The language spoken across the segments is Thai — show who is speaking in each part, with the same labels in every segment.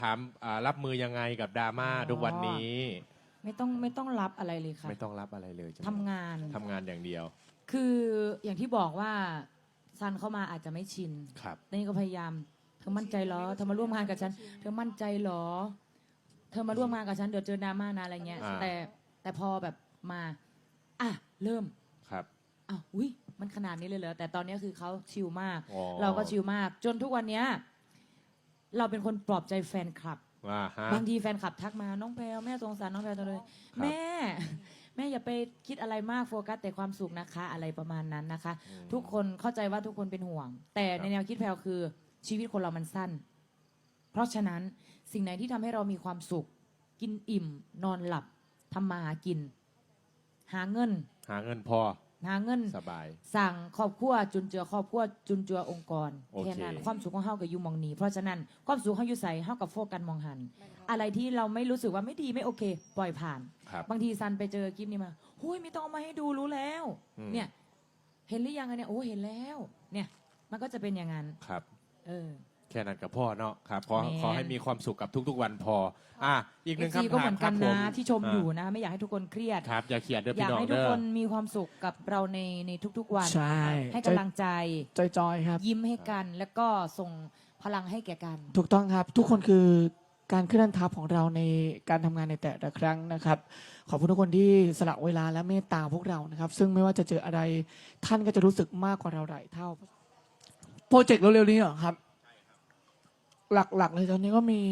Speaker 1: ถามรับมือยังไงกับดราม่าทุกวันนี้
Speaker 2: ไม่ต้องรับอะไรเลยค่ะ
Speaker 1: ไม่ต้องรับอะไรเลย
Speaker 2: ทำงาน
Speaker 1: อย่างเดียว
Speaker 2: คืออย่างที่บอกว่าซันเข้ามาอาจจะไม่ชิน
Speaker 1: ครับ
Speaker 2: นี่ก็พยายามเธอมั่นใจเหรอเธอมาร่วมงานกับฉันเธอมั่นใจเหรอเธอมาร่วมงานกับฉันเดี๋ยวเจอดราม่านะอะไรเงี้ยแต่พอแบบมาเริ่ม
Speaker 1: ครับ
Speaker 2: อุ้ยมันขนาดนี้เลยเหรอแต่ตอนนี้คือเขาชิลมากเราก็ชิลมากจนทุกวันนี้เราเป็นคนปลอบใจแฟนคลับบางทีแฟนคลับทักมาน้องแพลวแม่สงสารน้องแพลวจังเลยแม่อย่าไปคิดอะไรมากโฟกัสแต่ความสุขนะคะอะไรประมาณนั้นนะคะทุกคนเข้าใจว่าทุกคนเป็นห่วงแต่ในแนวคิดแพลวคือชีวิตคนเรามันสั้นเพราะฉะนั้นสิ่งไหนที่ทำให้เรามีความสุขกินอิ่มนอนหลับทำมาหากินหาเงิน
Speaker 1: พอ
Speaker 2: หาเงิน
Speaker 1: สบาย
Speaker 2: สั่งครอบครัวจุนเจือครอบครัวจุนเจือองค์กรแค่นั้นความสุขของเฮากับยูมองนี้เพราะฉะนั้นความสุขของยูใส่เฮากับโฟกัสมองหันอะไรที่เราไม่รู้สึกว่าไม่ดีไม่โอเคปล่อยผ่านบางทีซันไปเจอคลิปนี้มาหุ้ยไม่ต้องเอามาให้ดูรู้แล้วเนี่ยเห็นหรือยังเนี่ยโอ้เห็นแล้วเนี่ยมันก็จะเป็นอย่างนั้น
Speaker 1: ครับแค่นั้นกับพ่อเนาะครับขอให้มีความสุขกับทุกๆวันพออีกหนึ่งคำถาม
Speaker 2: ก็เหมือนกันนะที่ชมอยู่นะไม่อยากให้ทุกคนเครียด
Speaker 1: ครับอย่าเครียดเด้อ
Speaker 2: อยา
Speaker 1: พี่น้อง
Speaker 2: กให้ทุกคนมีความสุขกับเราในทุกๆวัน
Speaker 3: ใช่
Speaker 2: ให้กำลังใจ
Speaker 3: จอยครับ
Speaker 2: ยิ้มให้กันแล้วก็ส่งพลังให้แก่กัน
Speaker 3: ถูกต้องครับทุกคนคือการเคลื่อนทัพของเราในการทำงานในแต่ละครั้งนะครับขอบคุณทุกคนที่สละเวลาและเมตตาพวกเรานะครับซึ่งไม่ว่าจะเจออะไรท่านก็จะรู้สึกมากกว่าเราหลายเท่าโปรเจกต์เร็วๆนี้เหรอครับหลักๆเลยตอนนี้ก็มี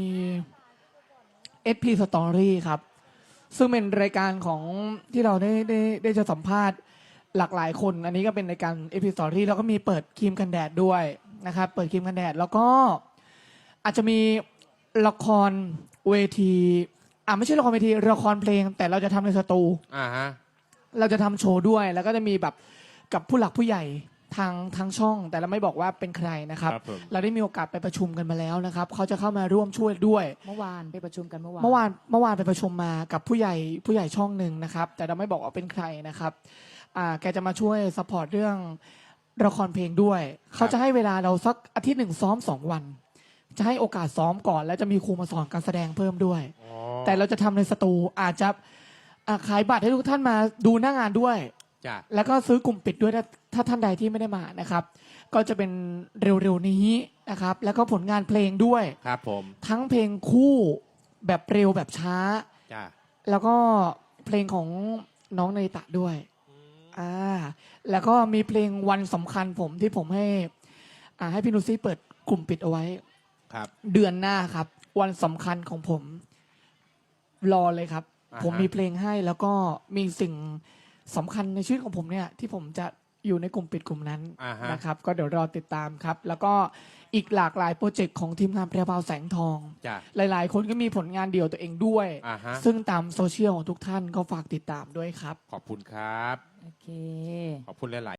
Speaker 3: SP Story ครับซึ่งเป็นรายการของที่เราได้จะสัมภาษณ์หลากหลายคนอันนี้ก็เป็นรายการ SP Story แล้วก็มีเปิดครีมกันแดดด้วยนะครับเปิดครีมกันแดดแล้วก็อาจจะมีละครเวทีไม่ใช่ละครเวทีละครเพลงแต่เราจะทำในสตูเราจะทำโชว์ด้วยแล้วก็จะมีแบบกับผู้หลักผู้ใหญ่ทางช่องแต่เราไม่บอกว่าเป็นใครนะครับเราได้มีโอกาสไปประชุมกันมาแล้วนะครับเขาจะเข้ามาร่วมช่วยด้วย
Speaker 2: เมื่อวานไปประชุมกันเมื่อ
Speaker 3: วานไปประชุมมากับผู้ใหญ่ช่องหนึ่งนะครับแต่เราไม่บอกว่าเป็นใครนะครับแกจะมาช่วยซัพพอร์ตเรื่องละครเพลงด้วยเขาจะให้เวลาเราสักอาทิตย์หนึ่งซ้อม2 วันจะให้โอกาสซ้อมก่อนแล้วจะมีครูมาสอนการแสดงเพิ่มด้วยแต่เราจะทำในสตูอาจจะขายบัตรให้ทุกท่านมาดูหน้างานด้วยแล้วก็ซื้อกลุ่มปิดด้วยถ้าท่านใดที่ไม่ได้มานะครับก็จะเป็นเร็วๆนี้นะครับแล้วก็ผลงานเพลงด้วย
Speaker 1: ครับผม
Speaker 3: ทั้งเพลงคู่แบบเร็วแบบช้าแล้วก็เพลงของน้องเนยตะด้วยแล้วก็มีเพลงวันสำคัญผมที่ผมให้พี่นุซี่เปิดกลุ่มปิดเอาไว้เดือนหน้าครับวันสำคัญของผมรอเลยครับผมมีเพลงให้แล้วก็มีสิ่งสำคัญในชีวิตของผมเนี่ยที่ผมจะอยู่ในกลุ่มปิดกลุ่มนั้นนะครับก็เดี๋ยวรอติดตามครับแล้วก็อีกหลากหลายโปรเจกต์ของทีมงานแพรวพราวแสงทองหลายๆคนก็มีผลงานเดี่ยวตัวเองด้วยซึ่งตามโซเชียลของทุกท่านก็ฝากติดตามด้วยครับ
Speaker 1: ขอบคุณครับ
Speaker 2: โอเค
Speaker 1: ขอบคุณหลาย